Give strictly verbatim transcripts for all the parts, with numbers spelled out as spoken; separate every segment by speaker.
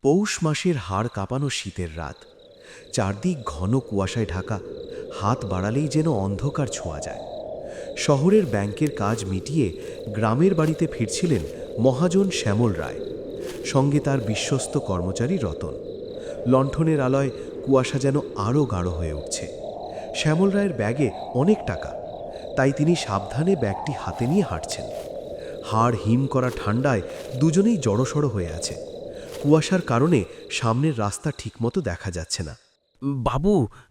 Speaker 1: পৌষ মাসের হাড় কাঁপানো শীতের রাত। চারদিক ঘন কুয়াশায় ঢাকা, হাত বাড়ালেই যেন অন্ধকার ছোঁয়া যায়। শহরের ব্যাংকের কাজ মিটিয়ে গ্রামের বাড়িতে ফিরছিলেন মহাজন শ্যামল রায়, সঙ্গে তার বিশ্বস্ত কর্মচারী রতন। লণ্ঠনের আলোয় কুয়াশা যেন আরও গাঢ় হয়ে উঠছে। শ্যামল রায়ের ব্যাগে অনেক টাকা, তাই তিনি সাবধানে ব্যাগটি হাতে নিয়ে হাঁটছেন। হাড় হিম করা ঠান্ডায় দুজনেই জড়সড় হয়ে আছে। কুয়াশার কারণে সামনের রাস্তা ঠিকমতো দেখা যাচ্ছে না।
Speaker 2: বাবু,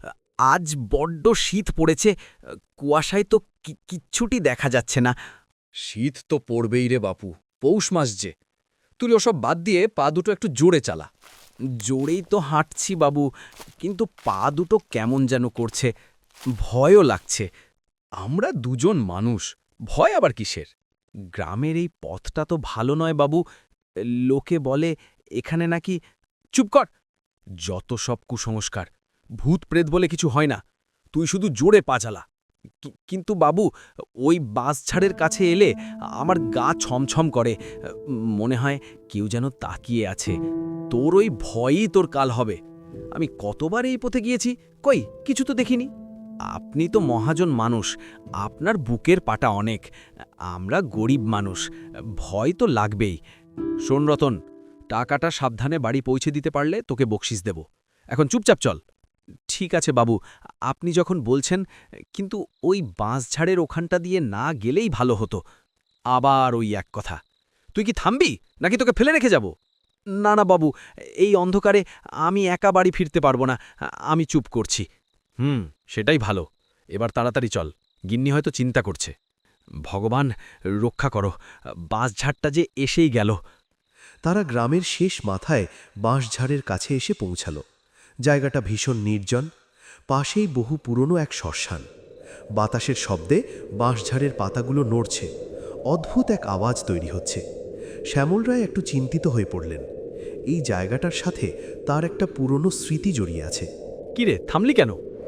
Speaker 2: আজ বড্ড শীত পড়েছে। কুয়াশায় তো কি- কিচ্ছুটি দেখা যাচ্ছে না।
Speaker 3: শীত তো পড়বেই রে বাপু, পৌষ মাস যে। তুই ওসব বাদ দিয়ে পা দুটো একটু জোরে চালা।
Speaker 2: জোরেই তো হাঁটছি বাবু, কিন্তু পা দুটো কেমন যেন করছে, ভয়ও লাগছে।
Speaker 3: আমরা দুজন মানুষ, ভয় আবার কিসের?
Speaker 2: গ্রামের এই পথটা তো ভালো নয় বাবু। লোকে বলে এখানে নাকি...
Speaker 3: চুপ কর! যত সব কুসংস্কার। ভূত প্রেত বলে কিছু হয় না। তুই শুধু জোরে পা চালা।
Speaker 2: কি- কিন্তু বাবু, ওই বাঁশঝাড়ের কাছে এলে আমার গা ছমছম করে। মনে হয় কেউ যেন তাকিয়ে আছে। তোর ওই ভয়ই তোর কাল হবে। আমি কতবার এই পথে গিয়েছি, কই কিছু তো দেখিনি। আপনি তো মহাজন মানুষ, আপনার বুকের পাটা অনেক। আমরা গরিব মানুষ, ভয় তো লাগবেই।
Speaker 3: শোন রতন, টাকাটা সাবধানে বাড়ি পৌঁছে দিতে পারলে তোকে বকশিস দেব। এখন চুপচাপ চল।
Speaker 2: ঠিক আছে বাবু, আপনি যখন বলছেন, কিন্তু ওই বাঁশঝাড়ের ওখানটা দিয়ে না গেলেই ভালো হতো।
Speaker 3: আবার ওই এক কথা। তুই কি থামবি, নাকি তোকে ফেলে রেখে যাব?
Speaker 2: না না বাবু, এই অন্ধকারে আমি একা বাড়ি ফিরতে পারবো না। আমি চুপ করছি।
Speaker 3: হুম, সেটাই ভালো। এবার তাড়াতাড়ি চল, গিন্নি হয়তো চিন্তা করছে।
Speaker 2: ভগবান রক্ষা করো, বাঁশঝাড়টা যে এসেই গেল।
Speaker 1: তারা গ্রামের শেষ মাথায় বাঁশঝাড়ের কাছে এসে পৌঁছাল। জায়গাটা ভীষণ নির্জন, পাশেই বহু পুরনো এক শ্মশান। বাতাসের শব্দে বাঁশঝাড়ের পাতাগুলো নড়ছে, অদ্ভুত এক আওয়াজ তৈরি হচ্ছে। শ্যামল রায় একটু চিন্তিত হয়ে পড়লেন। এই জায়গাটার সাথে তার একটা পুরনো স্মৃতি জড়িয়ে আছে।
Speaker 3: কিরে, থামলি কেন?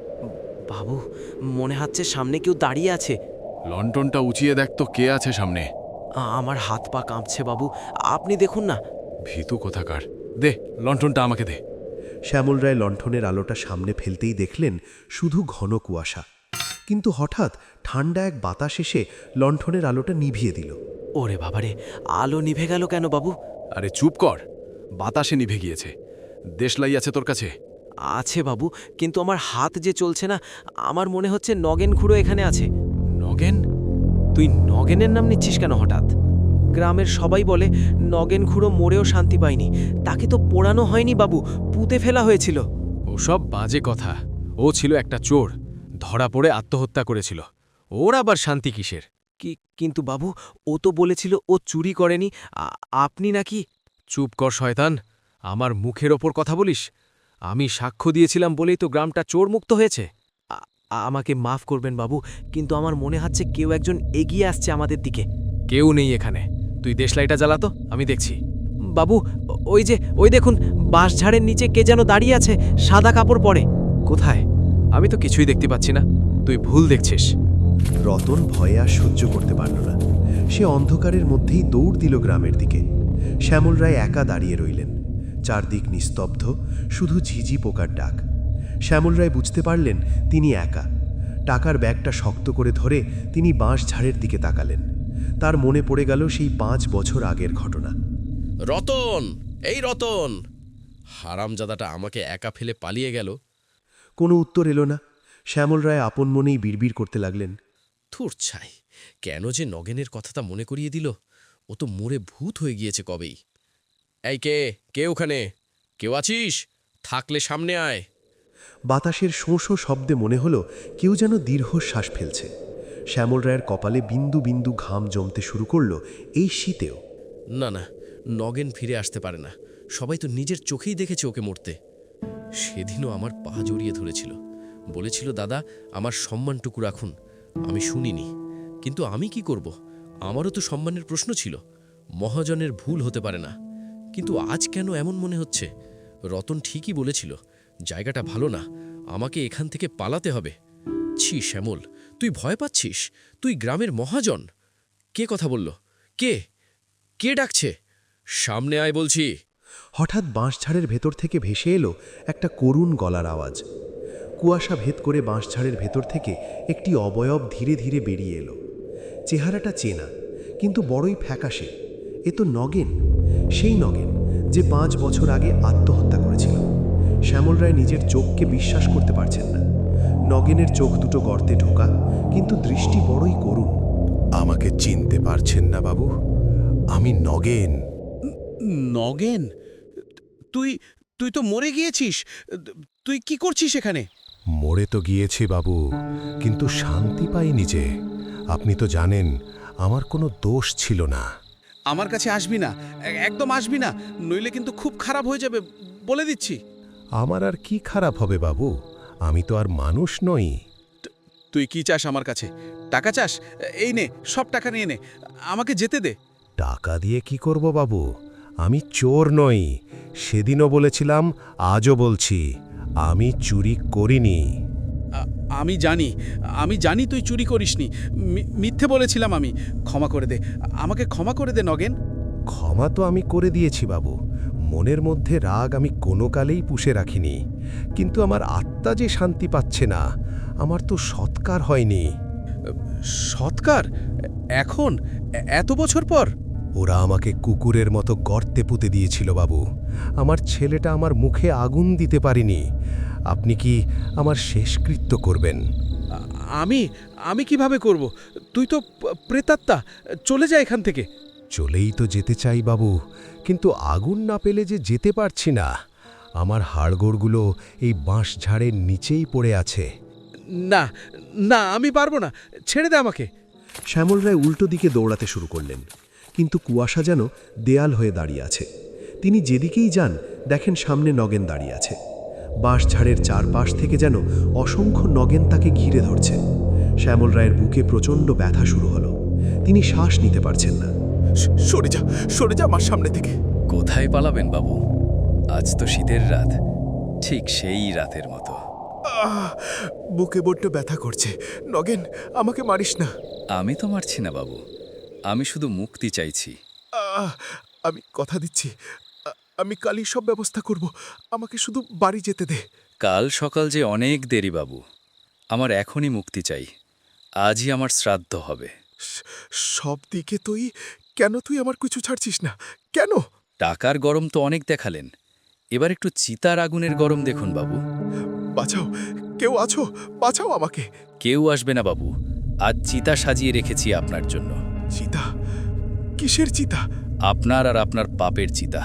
Speaker 2: বাবু, মনে হচ্ছে সামনে কেউ দাঁড়িয়ে আছে।
Speaker 4: লন্ঠনটা উঁচিয়ে দেখ তো কে আছে সামনে।
Speaker 2: আ- আমার হাত পা কাঁপছে বাবু, আপনি দেখুন না।
Speaker 4: ভীতু কোথাকার। দে, লন্ঠনটা আমাকে দে।
Speaker 1: শ্যামল রায় লণ্ঠনের আলোটা সামনে ফেলতেই দেখলেন শুধু ঘন কুয়াশা। কিন্তু হঠাৎ ঠান্ডা এক বাতাস এসে লণ্ঠনের আলোটা নিভিয়ে দিল।
Speaker 2: ওরে বাবারে, আলো নিভে গেল কেন বাবু?
Speaker 4: আরে চুপ কর, বাতাসে নিভে গিয়েছে। দেশলাই আছে তোর কাছে?
Speaker 2: আছে বাবু, কিন্তু আমার হাত যে চলছে না। আমার মনে হচ্ছে নগেন খুঁড়ো এখানে আছে।
Speaker 4: নগেন?
Speaker 2: তুই নগেনের নাম নিচ্ছিস কেন হঠাৎ? গ্রামের সবাই বলে নগেন খুঁড়ো মরেও শান্তি পায়নি। তাকে তো পোড়ানো হয়নি বাবু, পুঁতে ফেলা হয়েছিল।
Speaker 4: ওসব বাজে কথা। ও ছিল একটা চোর, ধরা পড়ে আত্মহত্যা করেছিল। ওর আবার শান্তি কিসের?
Speaker 2: কি কিন্তু বাবু, ও তো বলেছিল ও চুরি করেনি। আ- আপনি নাকি...
Speaker 4: চুপ কর শয়তান, আমার মুখের ওপর কথা বলিস? আমি সাক্ষ্য দিয়েছিলাম বলেই তো গ্রামটা চোর মুক্ত হয়েছে।
Speaker 2: আ- আমাকে মাফ করবেন বাবু, কিন্তু আমার মনে হচ্ছে কেউ একজন এগিয়ে আসছে আমাদের দিকে।
Speaker 4: কেউ নেই এখানে। তুই দেশলাইটা জ্বালাতো, আমি দেখছি।
Speaker 2: বাবু, ও- ওই যে, ওই দেখুন, বাঁশঝাড়ের নিচে কে যেন দাঁড়িয়ে আছে, সাদা কাপড় পরে।
Speaker 4: কোথায়? আমি তো কিছুই দেখতে পাচ্ছি না। তুই ভুল দেখছিস।
Speaker 1: রতন ভয়ে আর সহ্য করতে পারল না। সে অন্ধকারের মধ্যেই দৌড় দিল গ্রামের দিকে। শ্যামল রায় একা দাঁড়িয়ে রইলেন। চারদিক নিস্তব্ধ, শুধু ঝিঝি পোকার ডাক। শ্যামল রায় বুঝতে পারলেন তিনি একা। টাকার ব্যাগটা শক্ত করে ধরে তিনি বাঁশঝাড়ের দিকে তাকালেন। তার মনে পড়ে গেল সেই পাঁচ বছর আগের ঘটনা।
Speaker 5: রতন, এই রতন! হারামজাদাটা আমাকে একা ফেলে পালিয়ে গেল।
Speaker 1: কোনো উত্তর এলো না। শ্যামল রায় আপন মনেই বিড়বিড় করতে লাগলেন।
Speaker 5: থুর ছাই, কেন যে নগেনের কথাটা মনে করিয়ে দিল? ও তো মরে ভূত হয়ে গিয়েছে কবেই। এই কে কে ওখানে? কেউ আছিস? থাকলে সামনে আয়।
Speaker 1: বাতাসের শোঁ শোঁ শব্দে মনে হলো কেউ যেন দীর্ঘশ্বাস ফেলছে। শ্যামল রায়ের কপালে বিন্দু বিন্দু ঘাম জমতে শুরু করলো এই শীতেও।
Speaker 5: না না, নগেন ফিরে আসতে পারে না। সবাই তো নিজের চোখেই দেখেছে ওকে মরতে। সেদিনও আমার পা জড়িয়ে ধরেছিল, বলেছিল, দাদা আমার সম্মানটুকু রাখুন। আমি শুনিনি, কিন্তু আমি কি করব? আমারও তো সম্মানের প্রশ্ন ছিল। মহাজনের ভুল হতে পারে না। কিন্তু আজ কেন এমন মনে হচ্ছে? রতন ঠিকই বলেছিল, জায়গাটা ভালো না, আমাকে এখান থেকে পালাতে হবে। ছি শ্যামল, তুই ভয় পাচ্ছিস? তুই গ্রামের মহাজন। কে কথা বলল? কে কে ডাকছে? সামনে আয় বলছি।
Speaker 1: হঠাৎ বাঁশঝাড়ের ভেতর থেকে ভেসে এলো একটা করুণ গলার আওয়াজ। কুয়াশা ভেদ করে বাঁশঝাড়ের ভেতর থেকে একটি অবয়ব ধীরে ধীরে বেরিয়ে এলো। চেহারাটা চেনা, কিন্তু বড়ই ফ্যাকাশে। এ তো নগেন, সেই নগেন যে পাঁচ বছর আগে আত্মহত্যা করেছিল। শ্যামল রায় নিজের চোখকে বিশ্বাস করতে পারছেন না। নগেনের চোখ দুটো গর্তে ঢোকা, কিন্তু দৃষ্টি বড়ই করুণ।
Speaker 6: আমাকে চিনতে পারছেন না বাবু? আমি নগেন।
Speaker 3: নগেন, তুই তুই তো মরে গিয়েছিস। তুই কি করছিস এখানে?
Speaker 6: মরে তো গিয়েছি বাবু, কিন্তু শান্তি পাইনি যে। আপনি তো জানেন আমার কোনো দোষ ছিল না।
Speaker 3: আমার কাছে আসবি না, এ- একদম আসবি না, নইলে কিন্তু খুব খারাপ হয়ে যাবে, বলে দিচ্ছি।
Speaker 6: আমার আর কি খারাপ হবে বাবু? আমি তো আর মানুষ নই।
Speaker 3: তুই কি চাস আমার কাছে? টাকা চাস? এই নে, সব টাকা নিয়ে নে, আমাকে যেতে দে।
Speaker 6: টাকা দিয়ে কি করব বাবু? আমি চোর নই। সেদিনও বলেছিলাম, আজও বলছি, আমি চুরি করিনি।
Speaker 3: আ- আমি জানি, আমি জানি তুই চুরি করিসনি। মি- মিথ্যে বলেছিলাম আমি। ক্ষমা করে দে, আমাকে ক্ষমা করে দে নগেন।
Speaker 6: ক্ষমা তো আমি করে দিয়েছি বাবু। মনের মধ্যে রাগ আমি কোনো কালেই পুষে রাখিনি, কিন্তু আমার আত্মা যে শান্তি পাচ্ছে না। আমার তো সৎকার হয়নি।
Speaker 3: সৎকার? এখন? এ- এত বছর পর?
Speaker 6: ওরা আমাকে কুকুরের মতো গর্তে পুঁতে দিয়েছিল বাবু। আমার ছেলেটা আমার মুখে আগুন দিতে পারিনি। আপনি কি আমার শেষকৃত্য করবেন?
Speaker 3: আ- আমি আমি কিভাবে করব? তুই তো প- প্রেতাত্মা, চলে যা এখান থেকে।
Speaker 6: চলেই তো যেতে চাই বাবু, কিন্তু আগুন না পেলে যে যেতে পারছি না। আমার হাড়গোড়গুলো এই বাঁশঝাড়ের নিচেই পড়ে আছে।
Speaker 3: না না, আমি পারবো না, ছেড়ে দে আমাকে।
Speaker 1: শ্যামল রায় উল্টো দিকে দৌড়াতে শুরু করলেন, কিন্তু কুয়াশা যেন দেয়াল হয়ে দাঁড়িয়ে আছে। তিনি যেদিকেই যান দেখেন সামনে নগেন দাঁড়িয়ে আছে। বাঁশঝাড়ের চারপাশ থেকে যেন অসংখ্য নগেন তাকে ঘিরে ধরছে। শ্যামল রায়ের বুকে প্রচণ্ড ব্যথা শুরু হলো। তিনি শ্বাস নিতে পারছেন না।
Speaker 6: সরে যা, সরে যা আমার সামনে থেকে।
Speaker 7: কোথায় পালাবেন বাবু? আজ তো শীতের রাত, ঠিক সেই রাতের মতো।
Speaker 6: বুকে বড্ড ব্যথা করছে। নগেন, আমাকে মারিস না।
Speaker 7: আমি তো মারছি না বাবু, আমি শুধু মুক্তি চাইছি।
Speaker 6: আহ, আমি কথা দিচ্ছি, আ- আমি কালই সব ব্যবস্থা করব। আমাকে শুধু বাড়ি যেতে দে।
Speaker 7: কাল সকাল যে অনেক দেরি বাবু, আমার এখনই মুক্তি চাই। আজই আমার শ্রাদ্ধ হবে।
Speaker 6: সব দিকে তুই কেন? তুই আমার কিছু ছাড়ছিস না কেন?
Speaker 7: টাকার গরম তো অনেক দেখালেন, এবার একটু চিতার আগুনের গরম দেখুন বাবু।
Speaker 6: বাঁচাও, কেউ আছো? বাঁচাও আমাকে।
Speaker 7: কেউ আসবে না বাবু, আজ চিতা সাজিয়ে রেখেছি আপনার জন্য।
Speaker 6: চিতা? কিসের চিতা?
Speaker 7: আপনার আর আপনার পাপের চিতা।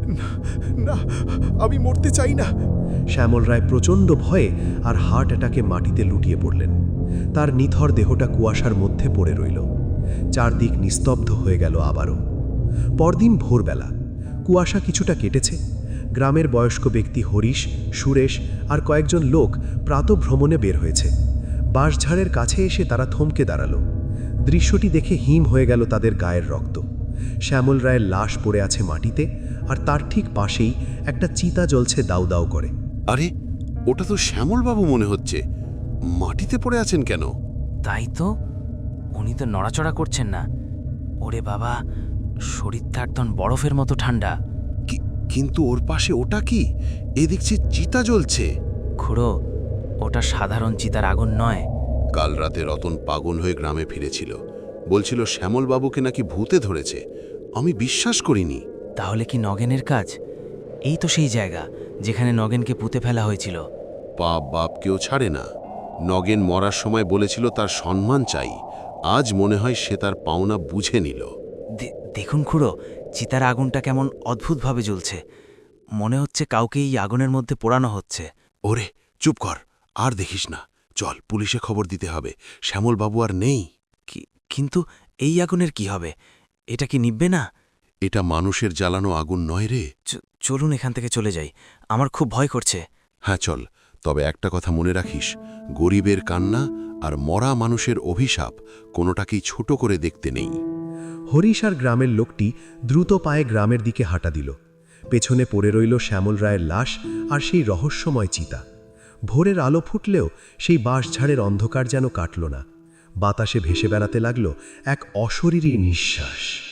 Speaker 6: না, আমি মরতে চাই না।
Speaker 1: শ্যামল রায় প্রচণ্ড ভয়ে আর হার্ট অ্যাটাকে মাটিতে লুটিয়ে পড়লেন। তার নিথর দেহটা কুয়াশার মধ্যে পড়ে রইল। চারদিক নিস্তব্ধ হয়ে গেল আবারও। পরদিন ভোরবেলা কুয়াশা কিছুটা কেটেছে। গ্রামের বয়স্ক ব্যক্তি হরিশ, সুরেশ আর কয়েকজন লোক প্রাতভ্রমণে বের হয়েছে। বাঁশঝাড়ের কাছে এসে তারা থমকে দাঁড়ালো। দৃশ্যটি দেখে হিম হয়ে গেল তাদের গায়ের রক্ত। শ্যামল রায়ের লাশ পড়ে আছে মাটিতে, আর তার ঠিক পাশেই একটা চিতা জ্বলছে দাউ দাউ করে।
Speaker 8: আরে, ওটা তো শ্যামলবাবু মনে হচ্ছে। মাটিতে পড়ে আছেন কেন?
Speaker 9: তাই তো, উনি তো নড়াচড়া করছেন না। ওরে বাবা, শরীরটা একদম বরফের মতো ঠান্ডা।
Speaker 8: কি- কিন্তু ওর পাশে ওটা কি? এ দেখছি চিতা জ্বলছে।
Speaker 9: খুড়ো, ওটা সাধারণ চিতার আগুন নয়।
Speaker 8: কাল রাতে রতন পাগল হয়ে গ্রামে ফিরেছিল, বলছিল শ্যামলবাবুকে নাকি ভূতে ধরেছে। আমি বিশ্বাস করিনি।
Speaker 9: তাহলে কি নগেনের কাজ? এই তো সেই জায়গা যেখানে নগেনকে পুঁতে ফেলা হয়েছিল।
Speaker 8: পাপ বাপ কেউ ছাড়ে না। নগেন মরার সময় বলেছিল তার সম্মান চাই। আজ মনে হয় সে তার পাওনা বুঝে নিল।
Speaker 9: দে- দেখুন খুড়ো, চিতার আগুনটা কেমন অদ্ভুতভাবে জ্বলছে। মনে হচ্ছে কাউকে এই আগুনের মধ্যে পোড়ানো হচ্ছে।
Speaker 8: ওরে, চুপ কর, আর দেখিস না। চল, পুলিশে খবর দিতে হবে। শ্যামলবাবু আর নেই।
Speaker 9: কি কিন্তু এই আগুনের কি হবে? এটা কি নিববে না?
Speaker 8: এটা মানুষের জ্বালানো আগুন নয় রে।
Speaker 9: চ- চলুন এখান থেকে চলে যাই, আমার খুব ভয় করছে।
Speaker 8: হ্যাঁ চল, তবে একটা কথা মনে রাখিস, গরিবের কান্না আর মরা মানুষের অভিশাপ কোনোটাকেই ছোট করে দেখতে নেই।
Speaker 1: হরিশ আর গ্রামের লোকটি দ্রুত পায়ে গ্রামের দিকে হাঁটা দিল। পেছনে পড়ে রইল শ্যামল রায়ের লাশ আর সেই রহস্যময় চিতা। ভোরের আলো ফুটলেও সেই বাঁশঝাড়ের অন্ধকার যেন কাটল না। বাতাসে ভেসে বেড়াতে লাগল এক অশরীরী নিঃশ্বাস।